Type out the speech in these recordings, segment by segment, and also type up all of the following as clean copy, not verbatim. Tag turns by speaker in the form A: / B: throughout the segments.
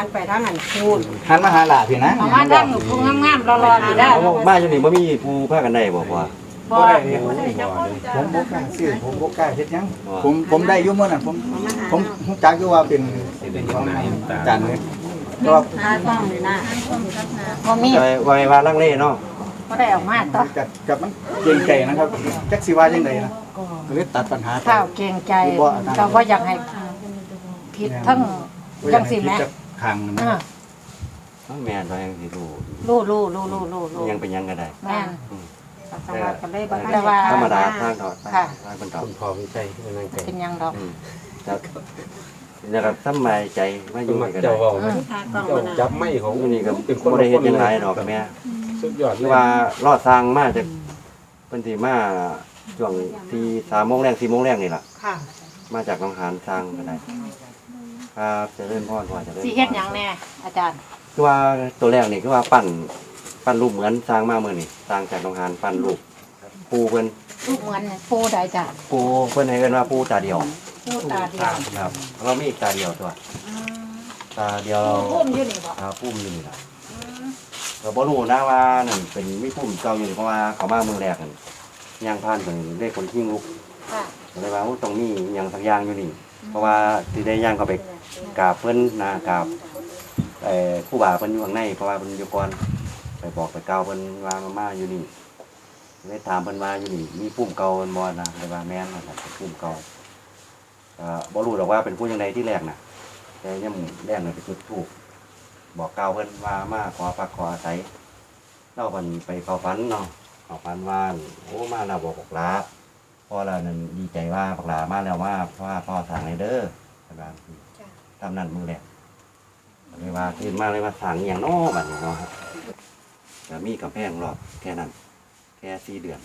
A: นไปทางนั้นพูน
B: หันมาหาหลาพี่นะ
A: มาทางผู้งามๆรอๆอยู่ได้
C: มาอยู่นี่บ่มีผู้พากันได้บ่พ่อ
A: บ่ได้เนี่ย
B: ผมบ่กล้าซื้อผมบ่กล้าเฮ็ดหยังผมได้อยู่มื้อนั้นผมรู้จักอยู่ว่าเป็นของอาจารย์เลยก็
A: หาต้องนี่นะบ่มี
C: ไว้ว่าลังเลเนาะ
A: บ่ได้ออกมาต่อ
B: กับมันเกรงใจนะครับจักสิว่าจังไดนะก็เลยตัดปัญหา
A: ข้าวเกรงใจก็บ่อยากให้ผิดทั้งจังซี่แหม
B: ข้างนะ
C: แม่นว่ายังสิรู้
A: รู้
C: ยังเป็นยังก็ได้
A: แม่น
C: แต่ว่าธรรมดาทางทอดทางบรรเทา
D: คุณพ่อวิชัยนั่งไก่
A: เป็นยังดอก
C: ครับนะครับสบายใจมาอยู่
D: มัก
C: ก็
D: เจ้า
C: ได้
D: เว้าไหมเจ้าจับไม้ของ
C: อยู่นี่ก็
D: เป็นคน
C: บ่ได้เฮ็ดหยังหลายดอกแม่
D: สุดยอดเล
C: คือย ว่ารอดสร้างมาจากเพิ่นสิมาช่วงที่3:00 น 4:00 นนี่ล่ะ
A: ค่ะ
C: มาจากหนองหานสร้างก็ได้ครับเจริญพรพ่อเจริญพร
A: สิเฮ็ดหยังแน่อาจารย์
C: คือว่าตัวแรกนี่คือว่าปั้นรูปเหมือนสร้างมามื้อนี่สร้างจากหนองหานปั้นรูปปูเพิ่น
A: ลูกเหมือนปูใดจ้ะ
C: ปูเพิ่นให้เอิ้นว่าปูตาเดียว
A: ปูตาเดียว
C: ครับเรามีอีกตาเดียวตัวตาเดียวเรา
A: พุ่มอยู่นี่บ่
C: พุ่มอยู่นี่ล่ะก็บ่รู้นะว่านั่นเป็นมีพุ่มเก่าอยู่นี่เพราะว่าเขามาเมืองแรกนั่นย่างผ่านเพิ่นได้คนทิ้งลุก
A: ค่ะ
C: ก็เลยว่าโอ้ตรงนี้หยังสักอย่างอยู่นี่ เพราะว่าสิได้ย่างเข้าไปกราบเพิ่นนะกราบครูบาเพิ่นอยู่ข้างในเพราะว่าเพิ่นอยู่ก่อนไปบอกไปกล่าวเพิ่นว่ามาอยู่นี่เลยถามเพิ่นว่าอยู่นี่มีพุ่มเก่าบ่นะเลยว่าแม่นว่าซั่นพุ่มเก่าบ่รู้ดอกว่าเป็นผู้จังไดที่แรกน่ะแต่ยามแรกน่ะไปจุดธูปบอกกล่าวเพิ่นว่ามาขอพักขออาศัยเล่าเพิ่นไปเข้าฝันเนาะเข้าฝันว่าโอ้มาแล้วบอกลาพ่อเรานั่นดีใจว่าบักหลามาแล้วว่าเพราะว่าพ่อสั่งให้เด้อประมาณนี้ทำนั่นมือแรกเลยว่าตื่นมาเลยว่าสั่งอย่างน้อบัดนี้เนาะครับแต่มีกำแพงรอบแค่นั้นแค่4 เดือน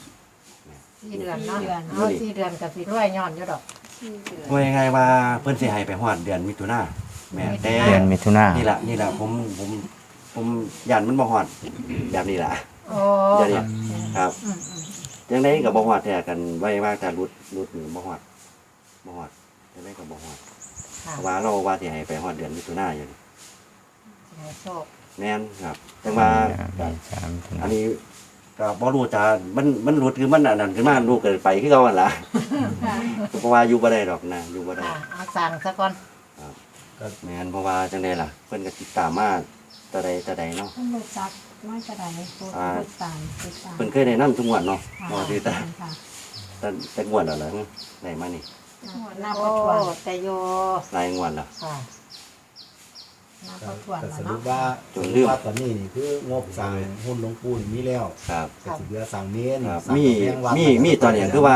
A: 4 เดือนเนาะเอา4 เดือนก็สิรวยย้อนอยู่ดอก
C: ว่ายังไงว่าเพิ่นสิให้ไปฮอดเดือนมิถุนาแม่แต่
E: เดือนมิถุนา
C: นี่ล่ะผมยันมันบ่ฮอดแบบนี้ล่ะ
A: โอ้
C: เดี๋ยวนี้ครับ จังไดก็บ่ฮอดแท้กันไว้ว่าแต่รุดนี่บ่ฮอดจังไดก็บ่ฮอด
A: ค่ะ
C: เพราะว่าเราว่าสิให้ไปฮอดเดือนมิถุนายน
A: ให้โชค
C: แม่นครับจังว่า อันนี้ก็บ่รู้จะมันรุดคือมันอันนั้นขึ้นมาลูกเกิดไปคือเก่าหั่นล่ะเพราะว่าอยู่บ่ได้ดอกนะอยู่บ่ได้
A: ค่ะเอาสั่งซะก่อน
C: ก็แม่นเพราะว่าจังได๋ล่ะเพิ่นก็ติดตามมาแต่ใดเนาะ
F: ท่านรู้จักไม่กระไดโปรดติดตาม
C: เพิ่นเคยได้นำทุกงวดเนาะบ่สิแต่
F: ค่ะ
C: แต่งวดแล้วล่ะได้มานี่
F: นับ
A: โอ้
F: ประทวน
A: แต่โย
C: หลายงวดแล้ว
A: ค่ะ
F: นับประทวน
G: ก็ส
F: แล้ว
G: รุ
F: เนาะ
G: ปว่า
C: จนลืม
G: ว่าตอนนี้นี่คืองบสร้างหุ้นหลวงปู่นี่มีแล้ว
C: ครับ
G: ก็สิเหลือสร้างเมน
C: ครับ
G: สร้าง
C: มี
G: กำแพงวัด
C: มีตอนนี้คือว่า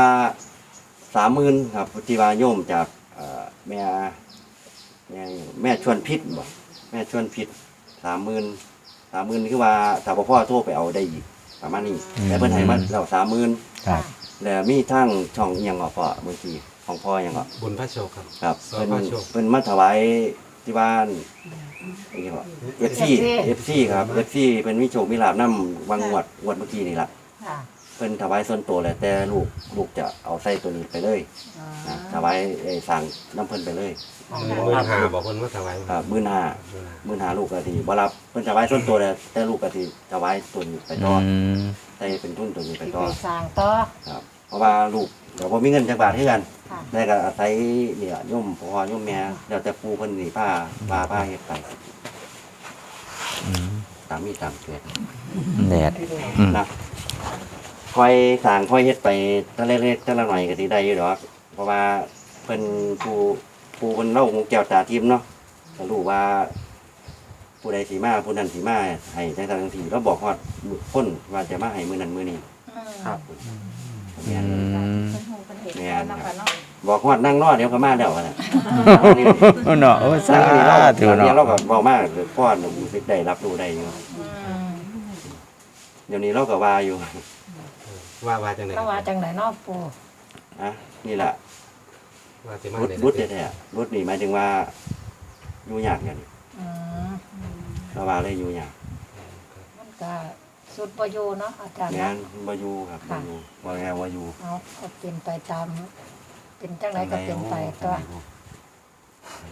C: 30,000ครับที่ว่าโยมจากแม่ชวนพิษบ่แม่ชวนพิษ30,000คือว่าถ้าพ่อโทรไปเอาได้อีกประมาณนี้แต่เพิ่นให้มาแล้ว30,000
E: ครับ
C: แล้วมีทางช่องอิหยังก็พ่อบางทีของพ่ออิหยังก็
D: บุญพระโชคครับ
C: ครับ
D: ซอยพระโชค
C: เพิ่นมาถวายที่บ้านอีหยังก็ FC ครับ FC เพิ่นมีโชคมีลาภนำวังงวดเมื่อกี้นี่ล่ะ
A: ค่ะ
C: เพิ่นถวายส่วนตัวแหละแต่ลูกจะเอาใส่ตัวนี้ไปเลยนะถวายสั่งน้ำเพิ่นไปเลย
D: 15,000บอกเพิ่นว่าถวาย
C: ครับ15,000ลูกก็สิบ่รับเพิ่นถวายส่วนตัวแต่ลูกก็สิถวายตัวนี้ไปต่อใส่เป็นทุนตัวนี้ไป
A: สิ
C: ต่อ
A: ไปสร้างต่อ
C: ครับเพราะว่าลูกก็บ่มีเงินจักบาทคือกัน
A: ค่ะ
C: ได้ก็อาศัยเนี่ยโยมพ่อโยมแม่แล้วแต่ปู่เพิ่นนี่พาเฮ็ดไปตามมีตามเกิด
E: แดด
C: นะค่อยสร้างค่อยเฮ็ดไปแต่เล็กๆแต่ละหน่อยก็สิได้อยู่ดอกเพราะว่าเพิ่นผู้เพิ่นเล่าหูแก้วตาทิพย์เนาะก็รู้ว่า ผู้ใดสิมาผู้นั้นสิมาให้จังซั่นจังซี่เราบอกฮอดคนว่าจะมาให้มื้อนั้นมื้อนี้
E: ครับ
C: แม่น
F: เป็นหูเป็นเห็ด
C: แม่น
F: แล้ว
C: ครั
F: ก็
C: บ
F: เนาะ
C: บอกฮอดนั่งรอเดี๋ยวก็มาแล้วน่ะ
E: เนาะโอ้สา
C: ถื
E: ธุ
C: อ
E: เนาะ
C: เราก็เว้ามากพ่อหนุ่มได้รับรู้ได้อยู่เดี๋ยวนี้เราก็ว่าอยู่
D: ว่าจังได๋
A: ก็ว่าจังไดเนาะปู่
C: นะนี่แหละ
D: ว่าสิมา
C: รุดแท้ๆรุดนี่หมายถึงว่าอยู่ยากอย่างนี้
A: อืม
C: เราว่าเลยอยู่ยาก
A: มันก็สุดบ่อยู่เนาะอาจารย์
C: แม่
A: เนาะ
C: นบ่อยู่ครับบ่อยู่ว่าแง่ว่าอยู่
A: เอาเป็นไปตามเป็นจังไดก็เป็นไปตัว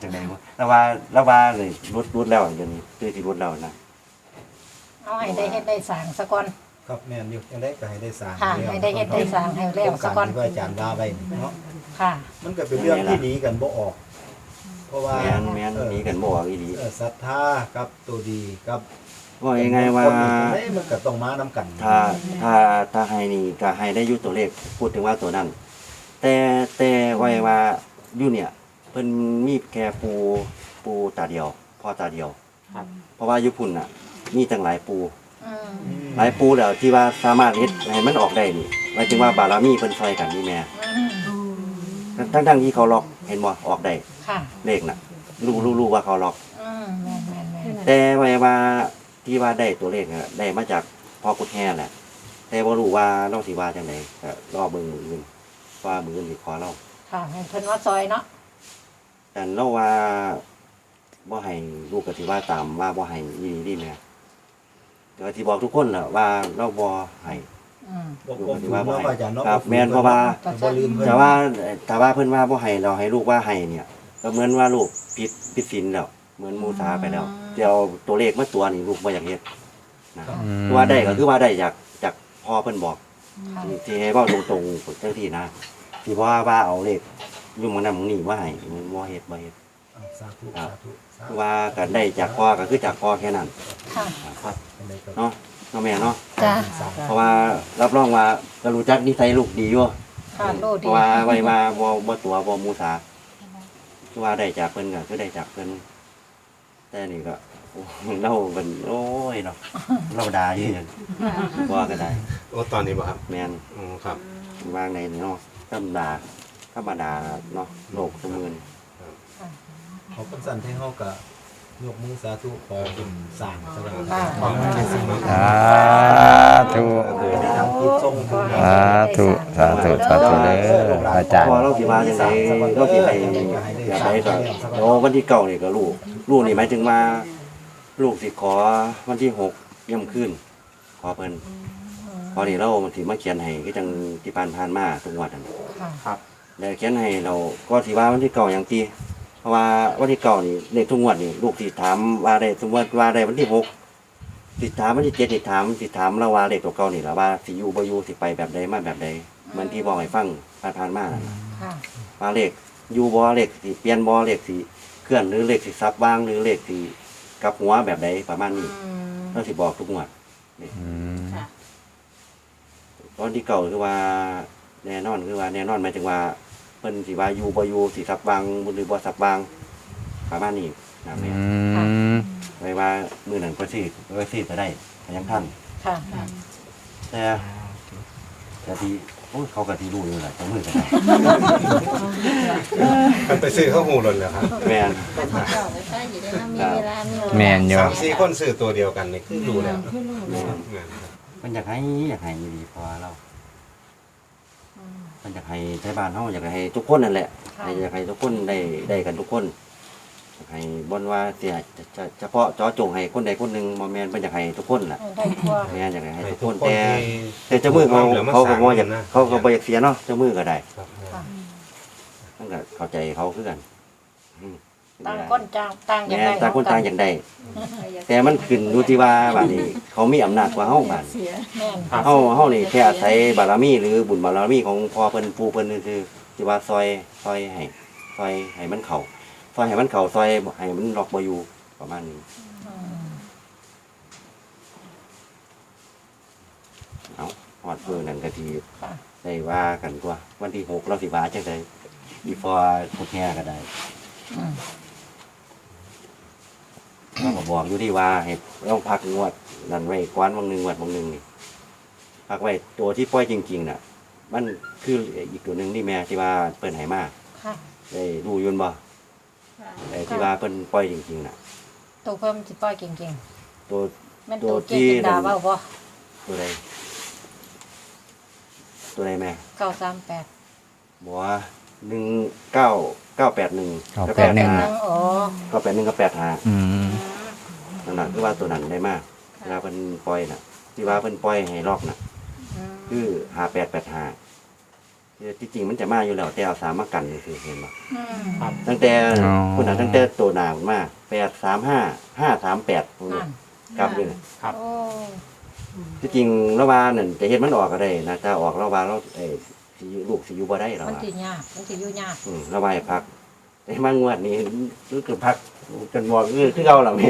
C: จังได๋บ่แล้วว่าเลยรุดแล้วเดี๋ยวนี้คือสิรุดแล้วนะ
A: เอาให้ได้เฮ็ดได้สร้างซะก่อน
G: ครับแม่นอยู่ยังได้ก็ให้ได้สร้าง
A: ค่ะ
G: แล้ว
A: ให้ได้เฮ็ดได้สร้างให้แล้วซะก่อน
G: โครงารที่ว่าอาจารย์ว่าไว้นี่เนาะ
A: ค่ะ
G: มันก็เป็นเรื่องที่หนีกันบ่ออก เพราะว่า
C: แม่นหนีกันบ่ออกอีหลี
G: ศรัทธากับตัวดีกับ
C: ว่ายังไงว่า
G: คนนี้มันก็ต้องมานํกัน
C: ถ้าให้นี่ก็ให้ได้อยู่ตัวเลขพูดถึงว่าตัวนั้น แต่ไว้ว่าอยู่เนี่ยเพิ่นมีแค่ปูตาเดียวพ่อตาเดียว
E: ครับ
C: เพราะว่าอยู่พุ่นน่ะ มีตั้งหลายปู
A: อืม
C: หลายปูแล้วที่ว่าสามารถเฮ็ดให้มันออกได้นี่หมายถึงว่าบารมีเพิ่นช่วยกันนี่แม่
A: อืม
C: ทั้งที่เขาล็อกเห็นบ่ออกได้
A: ค่ะ
C: เลขน่ะรู้ว่าเขาล็อก
A: อืมแม่น
C: แต่ไว้ว่าที่ว่าได้ตัวเลขน่ะได้มาจากพ่อกุดแห่แหละแต่บ่รู้ว่าน้องสิว่าจังไดก็รอเบิ่งมื้ออื่นว่ามื้ออื่นสิขอเรา
A: ๆค่ะให้เพิ่นว่าซอยเนาะ
C: แต่เราว่าบ่ให้ลูกก็สิว่าตามว่าบ่ให้อีหลีดีแม่ก็สิบอกทุกคนแหละว่าเราบ่ให้
A: อืม
G: บ่บ่ถือว่าอาจารย์เนาะ
C: ครับแม่นเพราะว่า
G: บ่ลืมเพิ่น
C: แต่ว่าเพิ่นว่าบ่ให้เราให้ลูกว่าให้เนี่ยก็เหมือนว่าลูกผิดศีลแล้วเหมือนมูสาไปแล้วเดี๋ยวตัวเลขมาตัวนี่ลูกบ่อยากเฮ็ดนะคือว่าได้ก็คือว่าได้จากพ่อเพิ่นบอก
A: ค่ะ
C: ที่ให้เว้าตรงๆจังซี่นะที่ว่าเอาเลขอยู่หม้องนั้นหม้องนี้ว่าให้มันบ่เฮ็ด
G: สาธุสาธุสาธุ
C: ว่ากันได้จากพ่อก็คือจากพ่อแค่นั้น
A: ค่ะ
C: ครับ
G: เป็นไรก็
C: เนาะแม่เนาะ
A: จ้า
C: เพราะว่ารับรองว่าก็รู้จักนิสัยลูกดีอยู่
A: ค่ะโลด
C: เพ
A: ดี
C: ราะว่าไว้มาบ่ตัวบ่มูสาคือว่าได้จากเพิ่นก็คือได้จากเพิ่นแต่นี่ก็โอ้เราเป็นโอ้ยเนาะเราด่าอยู่นั่นว่าก็ได้
D: โอ้ตอนนี้บ่ครับ
C: แม่น
D: อ๋อครับ
C: วางในเนาะธรรมดาเนาะโลกซุมื้อนี้
G: เขาเป็นสันให้เฮาก็ยกมือสาธุขอเป็นสร้างซะแล้ว
A: ค่ะ
G: ขอให้ได้สิ่งที่
E: สาธุ
G: คือได้ทำกิจส่งถึง
E: สาธุสาธุสาธุเด้ออาจารย์
C: พอเราสิว่าจังไดเราสิให้อยากได้ก็โอ้วันที่เก้านี่ก็ลูกนี่หมายถึงว่าลูกสิขอวันที่6 ย่ำคืนขอเพิ่นพอนี่เรามันสิมาเขียนให้คือจังที่ผ่านมาทุกงวดนั่น
A: ค่ะ
C: แล้วเขียนให้เราก็สิว่าวันที่เก้าอย่างที่เพราะว่าวันที่เก้านี่เลขทุกงวดนี่ลูกสิถามว่าได้สมมติว่าได้วันที่6สิถามวันที่7สิถามเราว่าเลขตัวเก่านี่ล่ะว่าสิอยู่บ่อยู่สิไปแบบใดมาแบบใดเหมือนที่บอกให้ฟังผ่านมานั่นล่ะ
A: ค่ะ
C: ว่าเลขอยู่บ่เลขสิเปลี่ยนบ่เลขสิเคลื่อนหรือเลขสิซับวางหรือเลขสิกลับหัวแบบใดประมาณนี้
A: อืม
C: เราสิบอกทุกงวด
E: อืม
C: ตอนที่เก่าคือว่าแน่นอนหมายถึงว่าเพิ่นสิว่าอยู่บ่อยู่สิซับวางหรือบ่ซับวางประมาณนี้นะแม่
E: อืม
C: ไว้ว่ามื้อนั้นก็สิก็ได้ก็ยังทัน
A: ค่ะ
C: แต่ที่โอ้ยเขาก็สิรู้อยู่แหละจังมื้อก็ได้
D: มันไปซื้อข้าวหูหล่นแล้วครับ
C: แม่น
F: มีเวลามี
E: แม่นอยู่
D: 3-4 คนซื้อตัวเดียวกันนี่คือรู้แล้ว
C: แม่น
D: งานครับ
C: มันอยากให้ดีพอเรามันอยากให้ไทบ้านเฮาอยากให้ทุกคนนั่นแหละ
A: ค่ะ
C: อยากให้ทุกคนได้กันทุกคนอยากให้บ่นว่าเสียจะเฉพาะเจาะจงให้คนใดคนหนึงบ่แม่นเพิ่นอยากให้ทุกคนล่ะ
A: ได้ทั่ว
C: แม่นอยากให้
D: ให้
C: ทุก
D: ทุ
C: ค
D: ก
C: น
D: คน
C: แต่เจ้ามือเขาก็บ่อยาก
D: นะ
C: เขาก็บ่อยากเสียเนาะเจ้ามือก็ได้
D: ครับ
A: ค่ะ
C: มันก็เข้าใจเขาคือกันอืม
A: ต่างคนต่างอย่าง
C: แม่
A: ไร
C: นต่างคนต่างอย่างใดแต่มันขึ้นอยู่ที่ว่าบัดนี้เขามีอำนาจกว่าเฮาบัด
A: แม่น
C: เฮานี่แค่อาศัยบารมีหรือบุญบารมีของพ่อเพิ่นปู่เพิ่นคือที่ว่าซอยให้มันเข้าซอยให้มันเข้าซอยให้มันล็อกบ่อยู่ประมาณนี้
A: อืม
C: เอาฮอดมื้อนั้นก็สิ
A: ค่ะ
C: ได้ว่ากันตัววันที่6เราสิว่าจังได๋อีพอพุทธแห่ก็ได้
A: อืม
C: เราก็บอกอยู่ที่ว่าให้เราพักงวดนั่นไว้กวนบางหนึงนี่พักไว้ตัวที่ปล่อยจริงๆน่ะ มันคืออีกตัวหนึงที่แม่ที่ว่าเพิ่นให้มา
A: ค่ะ
C: ได้รู้อยุ่นบ่ไอ้ที่ว่าเพิ่นปล่อยจริงๆน่ะ
A: ตัวเพิ่มสิปล่อยเก่ง
C: ตัว
A: ๆแม่นตัวเก่งจินดาเว้าบ่
C: ตัวใดแม่
A: 938
C: บอกว่า981
A: อ๋อ
C: 981กับ85
E: อืม
C: นั่นน่ะคือว่าตัวนั้นได้มากเวลาเพิ่นปล่อยน่ะที่ว่าเพิ่นปล่อยให้ลอกน่ะ
A: อืม
C: คือ5885 ที่จริงมันจะมาอยู่แล้วแต่เอา3มากันคือเห็นบ่
A: ครับ
C: ตั้งแต่คุณน่ะตั้งแต่ตัวหน้ามา835 538พวกนี้ครับนี่
A: โอ้
C: ที่จริงระว่านั่นจะเฮ็ดมันออกก็ได้นะถ้าออกระว่าเราสิลูกสิอยู่บ่ได้ระ
A: มัน
C: ว่า
A: สิยากมันสิอยู่ยาก
C: ระว่าให้พักแต่มางวดนี้รู้สึกพักจนบอกคือเก่าแล้วแม่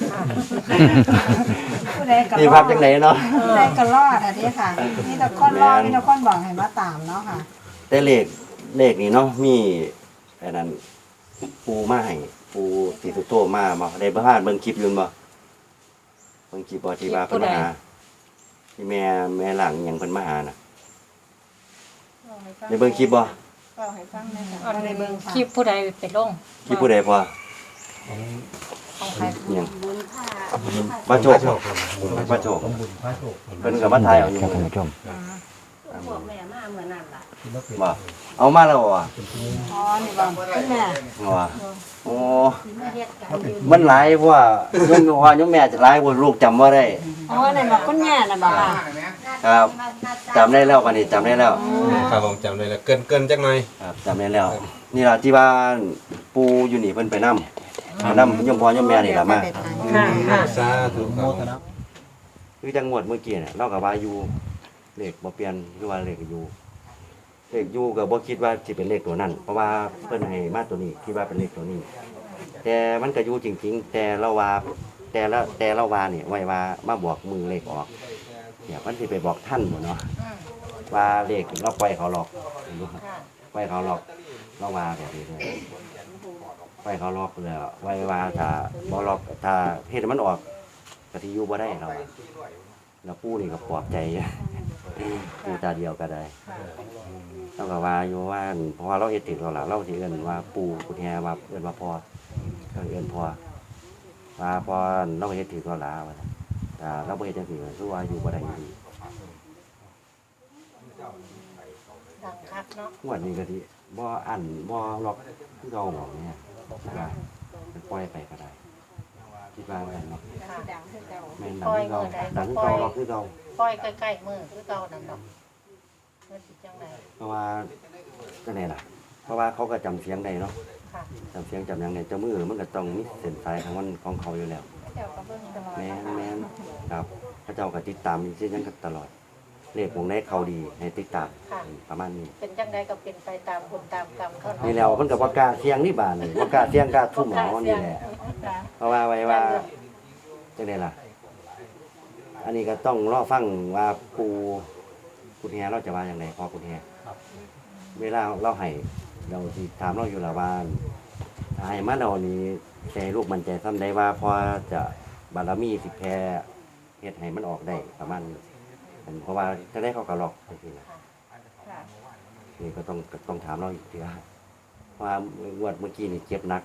H: ผู้ใดก็
C: นี่
H: ร
C: พั
H: อก ด
C: จังไดเนาะ
H: ผู้ใดก็รอดอันนี้ค่ะนี่ตะคนรอดนี่ตะคนบอกให้มาตามเนาะค่ะ
C: แต่เลขนี่เนาะมีอันนั้นปูมาให้ปูสิสุโตมาบ่ได้บ่พลาดเบิ่งคลิปอยู่บ่เบิ่งคลิปบ่ที่ว่าเพิ่นมาหาที่แม่หลังหยังเพิ่นมาหาน่ะได้เบิ่งคลิปบ่
F: เล่าให้ฟังหน่อยค่ะ
A: อันนี้เบิ่งคลิปผู้ใดไปลง
C: คลิปผู้ใดพอ
A: ของใคร
C: หยัง
F: บุญผ้า
C: บ่โชคบ่โชค
G: ต้องบุญพระโชค
C: เพิ่นก็มาถ่ายเอาอยู่
E: ครับท่านผู้ชม
F: พวกแม่มาเหมือนนั่นล่ะ
G: ที่มาเป็น
C: บ่เอามาแล้วอ่ะ
H: อ๋อนี่บอกคุณแม่
C: ว่าโอ้
F: มาเฮ็ดกันอยู่
C: มันหลายเพราะว่ายมแม่จะหลายบ่ลูกจำบ่ได้
H: อ๋อนี่บอกคุณแม่น่ะบอกค่ะ
C: ครับจำได้แล้วบัดนี้จำได้แล้ว
D: ครับผมจำได้แล้วเกินจักหน่อย
C: ครับจำได้แล้ว นี่ล่ะที่ว่าปูอยู่นี่เพิ่นไปนำยมพ่อยมแม่นี่ล่ะมา
D: สาธุค
G: โม
D: รับ
G: ทนา
C: คือจังหวัดเมื่อกี้เนี่ยเราก็ว่าอยู่เลขบ่เปลี่ยนคือว่าเลขอยู่ก็บ่คิดว่าสิเป็นเลขตัวนั้น เพราะว่าเพิ่นให้มาตัวนี้คิดว่าเป็นเลขตัวนี้ แต่มันก็อยู่จริงๆ แต่เราว่านี่ไว้ว่ามาบอกมือเลขออกเนี่ยมันสิไปบอกท่านบ่เนาะว่าเลขเราปล่อยเขาหลอกปล่อยเขาหลอกเราว่าแบบนี้เลยปล่อยเขาหลอกแล้วไว้ว่าถ้าบ่หลอกถ้าเฮ็ดให้มันออกก็สิอยู่บ่ได้เราแล้วปู่นี่ก็ปลอบใจปู่ตาเดียวก็ได้เราก็ว่าอยู่ว่าเพราะว่าเราเฮ็ดถึงเราล่ะเราสิเอิ้นว่าปู่กุฎแฮว่าเอิ้นว่าพ่อก็เอิ้นพ่อว่าพ่อเราเฮ็ดถึงเราล่ะว่าแต่เราบ่เฮ็ดจังซี่ก็คือว่าอยู่บ่ได้อยู่ดี
A: ดังคักเนาะ
C: งวดนี้ก็สิบ่อั้นบ่ล็อกคือเก่าบ่เนี่ยคิดว่ามันปล่อยไปก็ได้คิดว่าแบบนี้
F: ดังคือเก่า
C: แม่นดังคือเก่าดังคือเก่าล็อกคือเก่า
A: ปล่อยใกล้ๆมือคือเก่านั่นดอกมันสิจังได๋
C: เพราะว่าจังได๋ล่ะเพราะว่าเขาก็จำเสียงได้เนาะ
A: ค่ะ
C: จำเสียงจำหยังได้เจ้ามือมันก็ต้องมีเส้นสายของมันของเขาอยู่แล้ว
F: เจ้าก็เบิ่งตลอด
C: แม่นครับพระเจ้าก็ติดตามมีเส้นยังตลอดเลขวงได้เขาดีให้ติดตามประมาณนี้
A: เป็นจังไดก็เป็นไปตามบุญตามกรรมเขาเนาะ
C: นี่แล้วเพิ่นก็บ่กล้าเสียงนี่บาดนี่บ่กล้าเสียงกล้าทุ่มเอานี่แหละ
A: ค่ะ
C: เพราะว่าไว้ว่าจังได๋ล่ะ อันนี้ก็ต้องรอฟังว่าปู่กุฎแฮเราจะว่าอย่างไรพ่อกุฎแฮเวลาเราให้เราสิถามเราอยู่ละว่าถ้าให้มาเรานี้ใจลูกมันใจซ้ำได้ว่าพอจะบารมีสิแพ้เฮ็ดให้มันออกได้ประมาณนี้เพราะว่าจะได้เข้ากับหลอกจังซี่นะ
F: ค่ะ
C: นี่ก็ต้องถามเราอีกทีว่างวดเมื่อกี้นี่เจ็บหนัก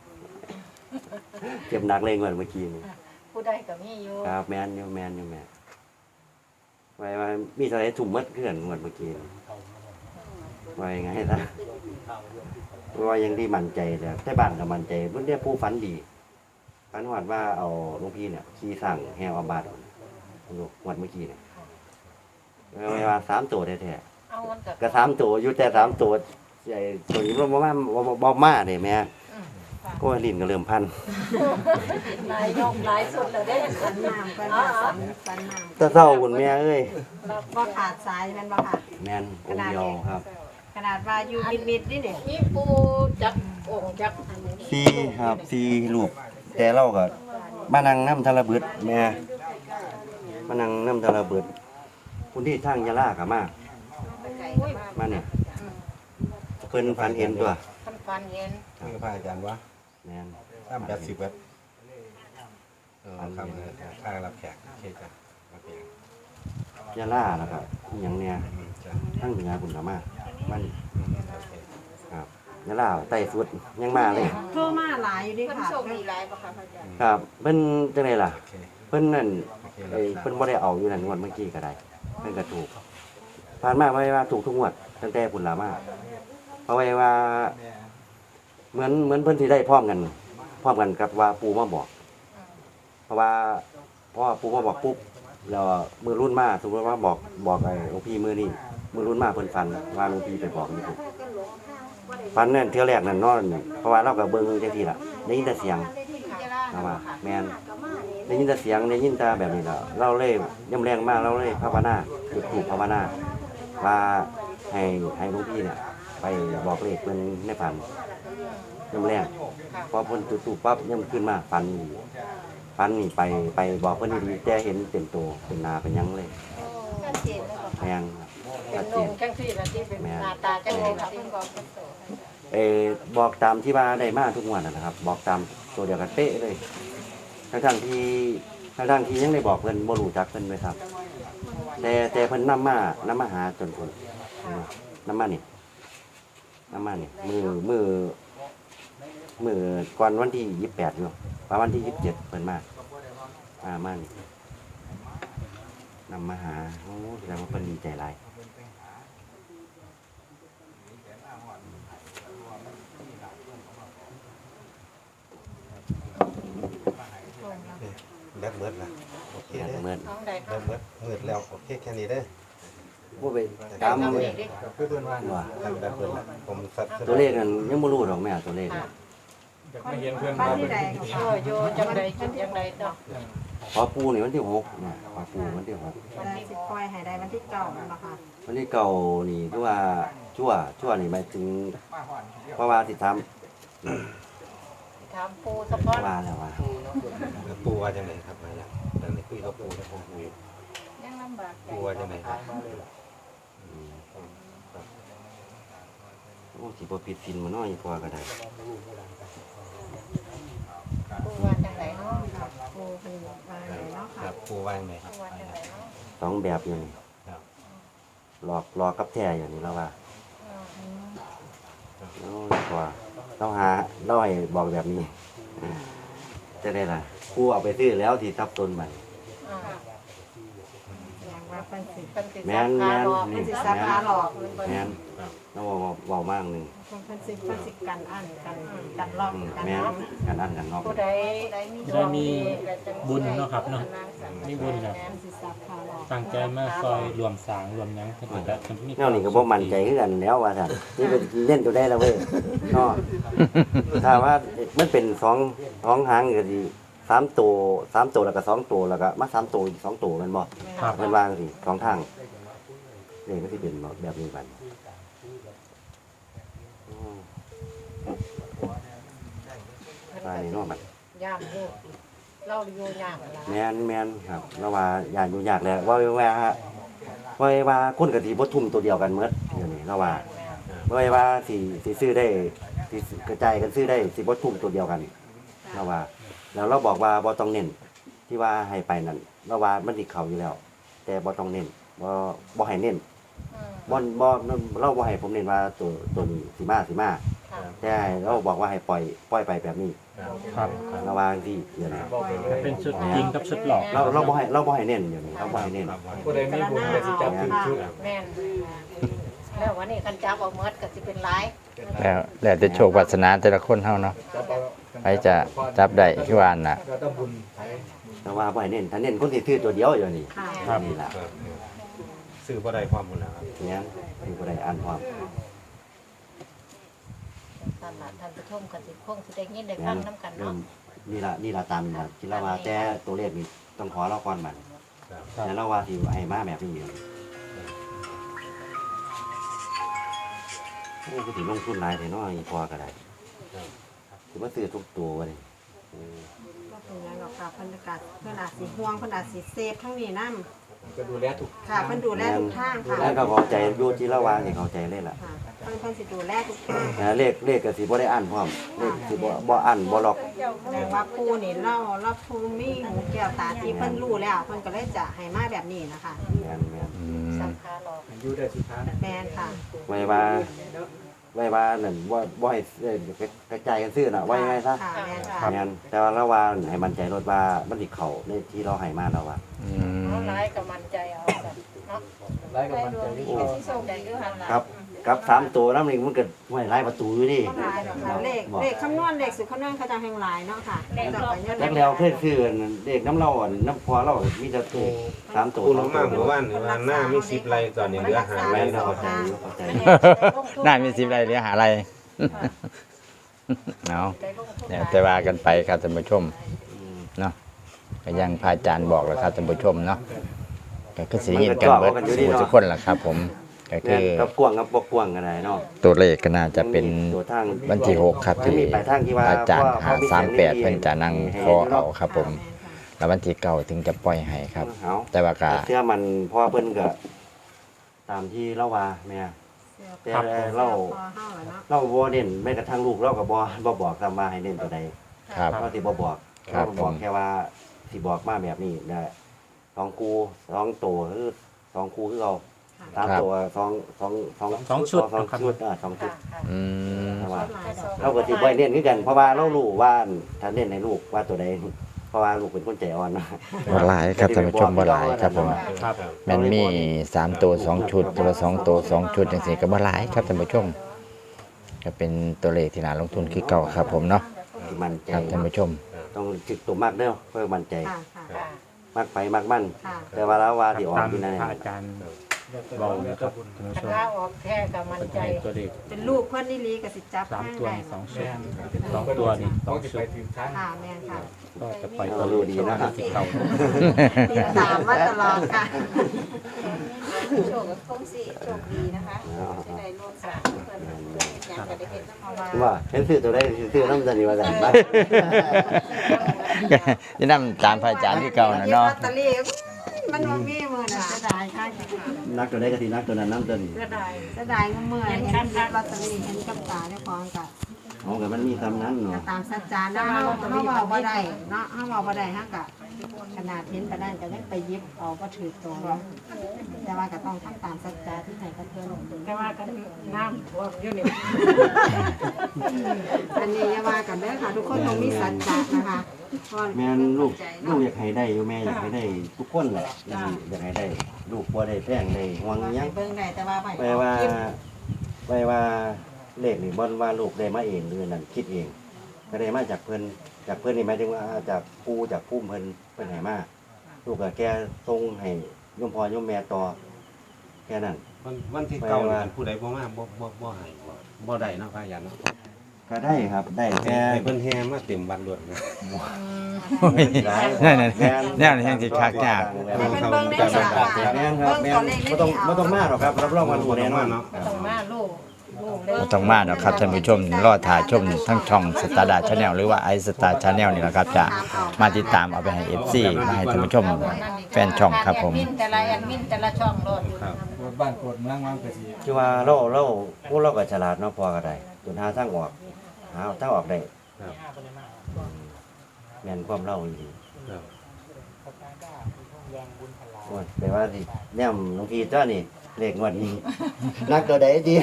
C: เจ็บหนักเลยงวดเมื่อกี้นี่
A: ผู้ใดก็มีอยู่
C: ครับแม่นอยู่แม่ไว้ว่ามีอะไรถุ่มมัดเพื่อนงวดเมื่อกี้นี่ไว้ไงล่ะว่ายังที่มั่นใจแต่บ้านก็มั่นใจเพิ่นได้ผู้ฝันดีฝันว่าเอาหลวงพี่เนี่ยขี่สั่งแห่เอาบาทงวดเมื่อกี้เนี่ยไว้ว่า3ตัวแท้ๆ
A: เอามันก็
C: ก็3ตัวอยู่แต่3ตัวใหญ่ตัวนี้บ่มาเด้แม่ก็ลิ้นก็เริ่มพัน
A: หลายยกหลายสุดแล้วเด้
H: สันน้ำกันค่ะสันน้
C: แตะเศร้าคุณแม่เอ้ย
H: ำบ่ขาดสายแมันบ่ค่ะ
C: แม่นองค์เดียวครับ
H: ขนาดว่าอยู่มิดๆนี่เนี่ย
A: มีปูจักองค์จักอันนี้
C: 4ครับ4รูปแต่เราก็มานั่งน้ำทะระเบิดแม่มานั่งน้ำทะระเบิดคุณที่ทางยะลาก็มามาเนี่ยเพิ่นฝันเห็นตัว
A: ท่านฟันเห็น
G: นี่ก็พระอาจารย์วะ
C: แม่น
G: ตั้ม80วัดคำเลยค่ารับแขกเคจ้ะรับแขก
C: ยะลาแล้วก็อีหยังเนี่ย
G: จ้ะ
C: ทางเหนือพุ่นก็มามันครับยะลาใต้สุดยังมาเลย
H: โทรมาหลายอยู่ดิ
F: เพิ่น
H: ค่ะ
F: โชคดีหลายบ่คะพระอาจารย์
C: ครับเพิ่นจังไดล่ะ
G: โอเค
C: เพิ่นนั่น
G: โอเค
C: เพิ่นบ่ได้เอาอยู่นั่นงวดเมื่อกี้ก็ได้เพิ่นก็ถูกผ่านมาไว้ว่าถูกทุกงวดตั้งแต่พุ่นล่ะมาเพราะไว้ว่าเหมือนเพิ่นสิได้พร้อมกันกับว่าปู่มาบอก เพราะว่าพอปู่มาบอกปุ๊บแล้วมือรุ่นมาสมมุติว่าบอกไอ้หลวงพี่มือนี่มือรุ่นมาเพิ่นฝันว่าหลวงพี่ไปบอกนี่ฝันนั่นเที่ยวแรกนั่นนอนเพราะว่าเราก็เบิ่งจังซี่ล่ะได้ยินแต่เสียงนะว่าแม่นได้ยินแต่เสียงได้ยินแต่แบบนี้ล่ะเราเลยย่ำแรงมากเราเลยภาวนาจุดธูปภาวนาว่าให้หลวงพี่เนี่ยไปบอกเลขเพิ่นในฝันย่ำแรงพอเพิ่นจุดธูปปั๊บย่ำขึ้นมาฝันนี่ไปบอกเพิ่นดีๆแต่เห็นเต็มตัวเป็นหน้าเป็นหยังเลย
F: ชัดเจนเลยบ่
C: แม่น
A: เป็
C: ชั
A: น
C: ด
A: ล
C: เจ
A: ง
C: น
A: จังซี่ละที่เป็นหน้าตาจัง
F: โอ้
A: เลย
F: ค่ะ
A: ที่
F: เพิ่นบอกเป็นโต
C: บอกตามที่ว่าได้มาทุกงวดนะครับ บอกตามตัวเดียวกันเป๊ะเลยทั้งที่ยังได้บอกเพิ่นบ่รู้จักเพิ่นเลยครับ แต่เพิ่นนำมาหาจนคนนำมานี่มือก่อนวันที่28อยู่ประมาณวันที่27เพิ่นมานี่นำมาหาโอ้แสดงว่าเพิ่นดีใจหลาย
G: แบตเบิดนะโอเคเด้อ
C: เหมือน
F: น้องใด
G: แบตเบิดมืดแล้วโอเคแค่นี้เด้อ
C: บ่ไปตาม
F: น้อง
C: มือ
F: เด็กดิ
B: คือเพิ่นว่า
C: ว่า
G: แบตเบิดแล้วผมสัตว์
C: ตัวเลขนั้นยังบ่รู้ดอกแม่ตัวเลข
B: ไม่เห็นเพิ่น
H: บ้าน
B: ว่า
H: ที่
B: เพิ่น
H: ใด
A: โอ้โยจังใดจุดจังใดเนาะ
C: พอปูนี่วันที่6เนี่ยพอปูวันที่6
H: วันที่สิบปล่อยให้ได้วันที่เก้าเนาะค่ะ
C: วันที่เก่านี่คือว่าชั่วนี่หมายถึงเพราะว่าสิทำ
A: ถามปูสะพอน
C: ว่าแล้วว่า
G: ปูว่าจังไดครับมาแล้วตอนนี้คุยกับปูแล้วผมคุย
F: ยังลำบากใจ
G: ปูว่าจังไดครับ
C: โอ้สิบ่ผิดศีลมาน้อยพอก็ได้
F: ปูว่าจังไดเนาะ
H: ค่ะปูเป็นว่าไหนเนาะ
G: ค
H: ค่ะ
G: รับปูว่าจังไดครับ
F: ปูว่าจังไดเนาะ
C: สองแบบอยู่นี่
G: ครับ
C: หลอกกับแท้อย่างนี้แล้วว่าโอ้ยกว่าต้องหาเราให้บอกแบบนี้จะได้ล่ะกูเอาไปซื้อแล้วที่ทับต้นมัน
H: อย่างว่าเป็นสิ
A: เป็นสิ
C: แม่น
H: เป็นสิซับขาหลอก
C: แม่นเราเว้ามากนึง
H: เป็นสิกันอันกันลอกกัน
C: แม่น
H: เนาะ
C: กันอันกันนอก
A: ผู้ใด
F: ผู้ใดมี
I: ได้มีบุญเนาะครับเนาะมีบุญครับ
H: เป็นสิซับขาหลอก
I: ตั้งใจมาซอยรวมสร้างรวมหยังเพิ่นก็ได้เพิ่นมี
C: แนวนี้ก็บ่มั่นใจคือกันแล้วว่าซั่นนี่เป็นเล่นตัวได้แล้วเว้ยเนาะถ้าว่ามันเป็น2หางก็สิ3ตัวแล้วก็2ตัวแล้วก็มา3ตัวอีก2ตัวแม่นบ่
I: ครับ
C: มันวางสิ2ทางนี่ก็สิเป็นแบบนี้บัดตายเนาะบัด
A: ย่ามอยู่เราอยู่ย่ามล่ะ
C: แม่นครับแล้วว่าย่านอยู่ยากแล้วว่าคนก็สิบ่ทุ่มตัวเดียวกันหมดเดี๋ยวนี้แล้วว่าว่าสิซื้อได้สิกระจายกันซื้อได้สิบ่ทุ่มตัวเดียวกันแล้วว่า แล้วเราบอกว่าบ่ต้องเน้นที่ว่าให้ไปนั่นเราว่ามันสิเข้าอยู่แล้ว แต่บ่ต้องเน้นบ่ให้เน้นบ่เราบ่ให้ผมเน้นว่าตัวนี้สิมาแต่เราบอกว่าให้ปล่อยไปแบบนี้
I: ครับ
C: ระวังที่เดี๋ยวนี้
I: เป็นชุดจริงกับชุดหลอก
C: เราบ่ให้เน้นเดี๋ยวนี้เราบ่ให้เน้น
B: ผู้ใดมีบุญก็สิจับถึงชุด
A: แม่นแล้ววันนี้คันจับเอาหมดก็สิเป็นหลาย
E: แล้วแต่โชควาสนาแต่ละคนเฮาเนาะ
B: จับเอา
E: ใครจะจับได้คือว่าน่ะ
B: ก็ต้องบุญไผ
C: แต่ว่าบ่ให้เน้นถ้าเน้นคนสิซื้อตัวเดียวอยู่นี่
H: ค่ะ
C: นี่ล่ะ
G: ซื้อบ่ได้ความบุญแล้วครับ
C: เนี่ยคือบ่ได้อ่านความ
A: ท่านล่ะท่านผู้ชมก็สิคงสิได้ยินได้ฟังนํกันเนาะ
C: นี่ล่ะตามนี่ล่ะที่เราว่าแต่ตัวเลขนี่ต้องขอเราก่อนมันแต่เราว่าสิให้มาแบบนี้อยู่โอ้ก็สิลงทุนหลายแต่น้อยพอก็ได้สิมาซื้อทุกตัววะนี่
H: ก็เป็นอย่างหรอกค่ะเพิ่นก็เพิ่นอาจสิห่วงเพิ่นอาจสิเซฟทั้งนี้นำ
B: ก็ดูแลทุก
H: ค่ะเพิ่นดูแลทุกทางค่ะ
C: แล้วก็เข้าใจอยู่ที่เราว่านี่เข้าใจเลยล่ะ
H: ค่ะเพิ่นสิดูแลทุกทาง
C: เลขก็สิบ่ได้อ่านพร้อมเลขสิบ่อ่านบ่ล็อก
H: แสดงว่าปู่นี่เราภูมิหูแก้วตาที่เพิ่นรู้แล้วเพิ่นก็เลยจะให้มาแบบนี้นะคะ
C: แม่น
E: อืม
A: สังขาหลอก
B: อยู่ได้สุดท้าย
H: แม่นค่ะ
C: ไว้ว่านั่นบ่ให้กระจายกันซื้อน่ะไว้ไงซะ
H: ค่ะแม่นค่ะ
C: แม่นแต่ว่าเราว่าให้มั่นใจรถว่ามันสิเข้าในที่เราให้มาแล้วว่า
E: อืม
A: เอาหลายก็มั่นใจเอา
B: ไล่กับมันใจ
F: โอ้ที่ส่งใจอยู่หั่นล่ะ
C: กับ3ตัวน้ำนี่มันก็ห้วยหลายประตูอยู่นี่
H: หลายดอกค่ะเลขคำนวณเลขสุดคำนวณเขาจะแห่งหลายเนาะค่ะแต่ก็ยัง
C: จักแล้วเพื่อนคือเด็กน้ำเราอ่ะน้ำพอเรามีแต่ตัว3ตัว
D: ปูลงมาเมื่อวานว่าหน้ามี10ไรตอนนี้เหลือ5ไร
C: ไร
D: เนาะ
C: เข้าใจอยู่เข้าใจ
E: น่ามี10ไรเหลือหาอะไรเนาะเดี๋ยวแต่ว่ากันไปครับท่านผู้ชมเนาะก็ยังพระอาจารย์บอกแล้วครับท่านผู้ชมเนาะก็คือสิยินกันเบิดทุกคนล่ะครับผมก็คือ
C: กับกวางกับบ่กวางกันได้เนาะ
E: ตัวเลขก็น่าจะเป็น
C: ตัวทาง
E: วันที่6ครับที่อาจารย์538เพิ่นจะนั่งขอเอาครับผมแล้ววันที่9ถึงจะปล่อยให้ครับ
C: เอา
E: แต่ว่าก็
C: เสื้อมันพ่อเพิ่นก็ตามที่เล่าว่าแม่แต่เล่า
H: พอเฮาแล้วเนาะ
C: เราบ่เน้นแม้กระทั่งลูกเราก็บ่บอกตามมาให้เน้นตัวใด
E: ครับ
C: เราสิบ่บอก
E: ครับ
C: เราบอกแค่ว่าสิบอกมาแบบนี้ได้2คู่2ตัวคือ2คู่คือเรา3ตัว2ชุด2ชุด2ชุด
E: อืม
C: แต่ว่าเราก็สิบ่เน้นคือกันเพราะว่าเรารู้ว่าถ้าเน้นให้ลูกว่าตัวใดเพราะว่าลูกเป็นคนใจอ่อนนะ
E: บ่หลายครับท่านผู้ชมบ่หลายครับผม
I: ครับ
E: แมันมี3ตัว2ชุดตัวละ2ตัว2ชุดจังซี่ก็บ่หลายครับท่านผู้ชมก็เป็นตัวเลขที่น่าลงทุนคือเก่าครับผมเนาะ
C: ที่มั่นใจ
E: ครับท่านผู้ชม
C: ต้องจิตตัวมากเด้อเพื่อมั่นใจ
H: ค่ะค่ะ
C: มากไปมากมั่น
H: ค่ะ
C: แต่ว่าแล้วว่าที่ออก
I: ตาม
C: ที่นั่น
I: พระอาจารย์บอกนะครับท่านผู้ชม
F: ถ้าออกแท้ก็มั่น
I: เป็น
F: ใจ
I: ให้ตัวเลข
H: เป็นลูกเพิ่นนี่ลีก็สิจับ
I: 3 ตัว
H: ได้
I: นี่2ชุด2ตัวนี่2ชุด
H: ค่ะแม่นค่ะ
I: ก็จะปล่อย
C: เรา
I: ตัว
C: รู้ดีนะครับ
I: ที่เก่า
H: ติดตามมาตลอดค่ะ
F: โชคกับคงสิโชคดีนะคะจะได้ร่วมสร้างเพิ่นเฮ็ดหยังก็ได้เฮ็ดนำมาว่า
C: ว่าเห็นซื้อตัวได้ซื้อน้ำจันนี่ว่าจันบ้าง
E: นี่นำตามพระอาจารย์ที่เก่านะเนาะ
H: ลอตเตอรี่มันบ่มีมื้อน่ะเสียดายค่ะ
C: นักตัวได้ก็ทีนักตัวนั้นน้ำจันนี่
F: เสียดาย
H: เสียดายเมื่อเห็นลอตเตอรี่เห็นกับตาเจ้าของก็
C: อ๋อแต่มันมีคำนั้นเนาะ
H: ตามสัจจานะเฮาเว้าบ่ได้เนาะเฮาเว้าบ่ได้เฮาก็ขนาดเห็นปานนั้นก็ยังไปหยิบเอาบ่ถือตัวเนาะแต่ว่าก็ต้องทำตามสัจจาที่ให้กับเพิ่น
F: แต่ว่ากันน้ำท่วมอยู่นี่
H: อันนี้อย่าว่ากันเด้อค่ะ ทุกคนต้องมีสัจจะนะคะเพราะ
C: แม่ลูกอยากให้ได้อยู่แม่อยากให้ได้ทุกคนแหละอยากให้ได้ลูกบ่ได้แป้งได้ห่วงยัง
H: เบิ่งได้แต่ว่าไป
C: ไปว่าเลขนี่บ่ว่าลูกได้มาเองหรือนั่นคิดเองก็ได้มาจากเพิ่นนี่หมายถึงว่าจากปู่จากพุ่มเพิ่นให้มาลูกก็แค่ส่งให้โยมพ่อโยมแม่ต่อแค่นั้น
D: วันที่เก่านี่ผู้ใดบ่มาบ่ให้บ่ได้เนาะพระอาจารย์เนาะ
C: ก็ได้ครับได้แค่
D: ให้เพิ่นแห่มาเต็มวัดรวดนะ
E: นั่นแน่แห่งสิคักยาก
H: ให้เพิ่นเบิ่งได้สามบาท
C: แม่นครับแม่นบ่ต้องมาหรอกครับรับรองว่ารู้แน่นอน
F: ต้องมาลูกเลย
E: บ่ต้องมาเนาะครับท่านผู้ชมรอถ่ายชมทั้งช่องสตาร์ดาชาแนลหรือว่าไอสตาร์ชาแนลนี่แหละครับจะมาติดตามเอาไปให้ FC มาให้ท่านผู้ชมแฟนช่องครับผม
F: แอดมินแต่ละแอดมินแต่ละช่องโลด
B: บ้านโคตรเมืองมันก็สิ
C: คือว่าเราพวกเราก็ฉลาดเนาะพอก็ได้จนหาทางออกได้
D: ครับ
C: แม่นความเล่าดี
D: ครับ
C: โอ้ยแปลว่าสิแนมหลวงพี่เจ้านี่เลขงวดนี้ นักตัวใดดี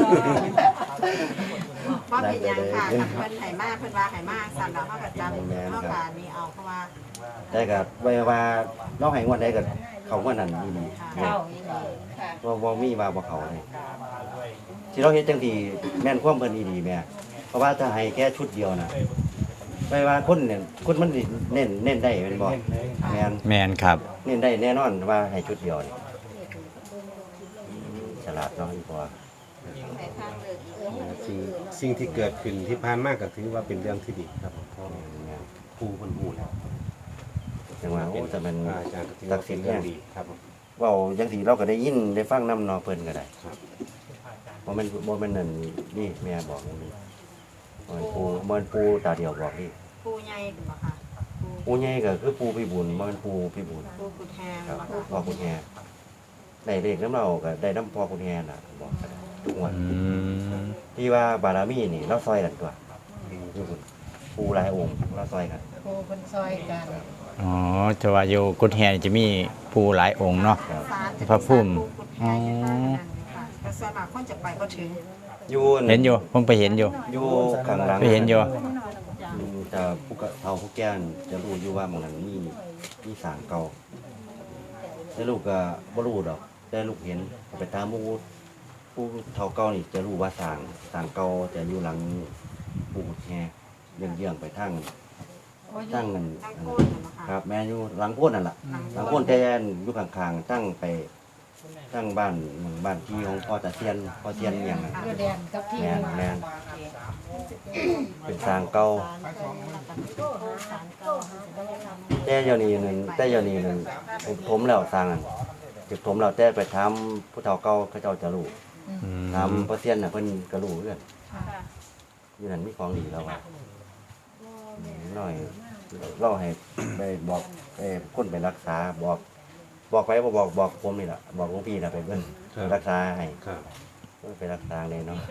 H: ว่าเป็นหยังค่ะกับเพิ่นให้มาเพิ่นว่าให้มาสั่นแล้วเฮาก็จำเฮาก็นี่เอาเพราะว่า
C: ได้ก็ไว้ว่าเราให้งวดใดก็เขางวดนั้นดีนี่
F: เข้าอีนี่ค่ะ
C: บ่มีว่าบ่เขาเลยที่เราเฮ็ดจังซี่แม่นความเพิ่นดีแม่เพราะว่าถ้าให้แค่ชุดเดียวน่ะไว้ว่าคนเนี่ยคนมันสิเน้นได้แม่นบ่แม่น
E: แมนครับ
C: เน้นได้แน่นอนว่าให้ชุดเดียวนี่ฉลาดเนาะอีพอ
F: ให้ทางเลือกอีก
D: สิ่งที่เกิดขึ้นที่ผ่านมาก็ถือว่าเป็นเรื่องที่ดีครับเพราะครูเพิ่นฮู้แล้ว
C: จังว่าโอ้แต่มัน
D: พระอาจารย์ก็ถือ
C: ศั
D: ว่าก
C: ดิ์สิ
D: เป็
C: ท
D: น
C: ธิ์
D: เรื่
C: แน่
D: องดีครับผม
C: เว้าจังซี่เราก็ได้ยินได้ฟังนำเนาะเพิ่นก็ได้
D: ครับ
C: บ่แม่นนั่นนี่แม่บอกนี่บ่แม่นปูตาเดียวบอกนี่
H: ปูใหญ่บ่ค่ะ
C: ปูใหญ่ก็คือปูพิบูลบ่แม่นปูพิบูล
H: ปูกุดแฮม
C: ครับ
H: บ่ค่ะ
C: พ่อคุณแฮได้เลขน้ำเราก็ได้น้ำพ่อคุณแฮน่ะบอกก็ได้ทุกงวัน
E: อืม
C: ที่ว่าบารมีนี่เราซอยกันตัวอยู่พุ่นปูหลายองค์เราซอยกัน
F: ครูเพิ่นซอยกัน
E: อ๋อจะว่าอยู่กุดแฮนี่จะมีผู้หลายองค์เนาะ
C: ครับ
H: ศาลจะ
E: พระภูมิ
H: ปูกุดแฮอยู่ทางนั้นค่ะแต่ส่วนมากคนจะไปบ่ถึง
C: อยู่
E: เห็นอยู่ผมไปเห็นอยู่
C: อยู่ข้างหลัง
E: ไปเห็นอยู่
C: จะผู้กะเฒ่าผู้แก่นจะรู้อยู่ว่าหมันนั้นมีสร้างเก่าแต่ลูกก็บ่รู้ดอกแต่ลูกเห็นไปตามผู้เฒ่าเก่านี่จะรู้ว่าสร้างเก่าจะอยู่หลังปู่แฮเยื่องๆไปทางเงินครับแม่อยู่หลังโพนนั่นล่ะหลังโพนแต่อยู่ข้างๆตั้งบ้านที่ของพ่อตาเซียนอย่างนั้น
A: อยู่แดนกับที่
C: แม่นเป็นสร้างเก่าแต่เดี๋ยวนี้นึงผมแล้วสร้างจุดผมเราแต่ไปถามผู้เฒ่าเก่าเขาเจ้าจะรู้ถามพ่อเซียนน่ะเพิ่นก็รู้คือกันอยู่นั่นมีของดีแล้วว่าน้อยเราให้ไปบอกคนไปรักษาบอกไปบอกผมนี่ล่ะบอกหลวงพี่น่ะไปเบิ่งรักษาให้
D: ครับ
C: ไปรักษาเลยเนาะ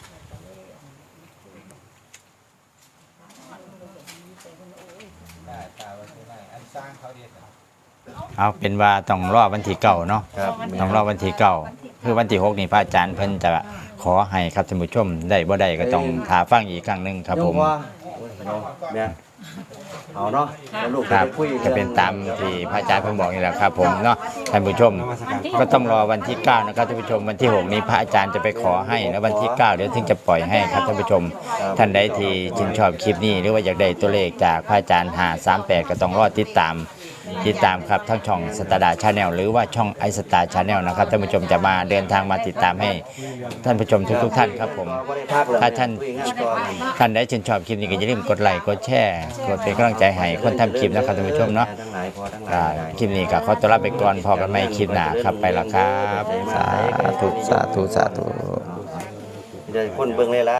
E: เอาเป็นว่าต้องรอวันที่9เนาะ
C: ครับ
E: ต้องรอวันที่9คือวันที่6นี่พระอาจารย์เพิ่นจะขอให้ครับท่านผู้ชมได้บ่ได้ก็ต้องหาฟังอีกครั้งหนึงครับผม
C: เนี่ยเอาเนาะแล้วลูก
E: ครับ
C: ไปคุย
E: จะเป็นตามที่พระอาจารย์เพิ่นบอกนี่แหละครับผมเนาะท่านผู้ชมก็ต้องรอวันที่9นะครับท่านผู้ชมวันที่6นี้พระอาจารย์จะไปขอให้แล้ววันที่9เดี๋ยวถึงจะปล่อยให้ครับท่านผู้ชมท่านใดที่ชื่นชอบคลิปนี้หรือว่าอยากได้ตัวเลขจากพระอาจารย์538ก็ต้องรอติดตามครับทั้งช่องสตาร์ดาชาแนลหรือว่าช่องไอสตาร์ชาแนลนะครับท่านผู้ชมจะมาเดินทางมาติดตามให้ท่านผู้ชมทุกท่านครับผมถ้าท่านได้ชื่นชอบคลิปนี้ก็อย่าลืมกดไลค์กดแชร์กดเป็นกำลังใจให้คนทำคลิปนะครับท่านผู้ชมเนาะคลิปนี้ก็ขอตัวลาไปก่อนพอกันใหม่คลิปหน้าครับไปละครับสาธุ
C: เดี๋ยวคนเบิ่งเลยละ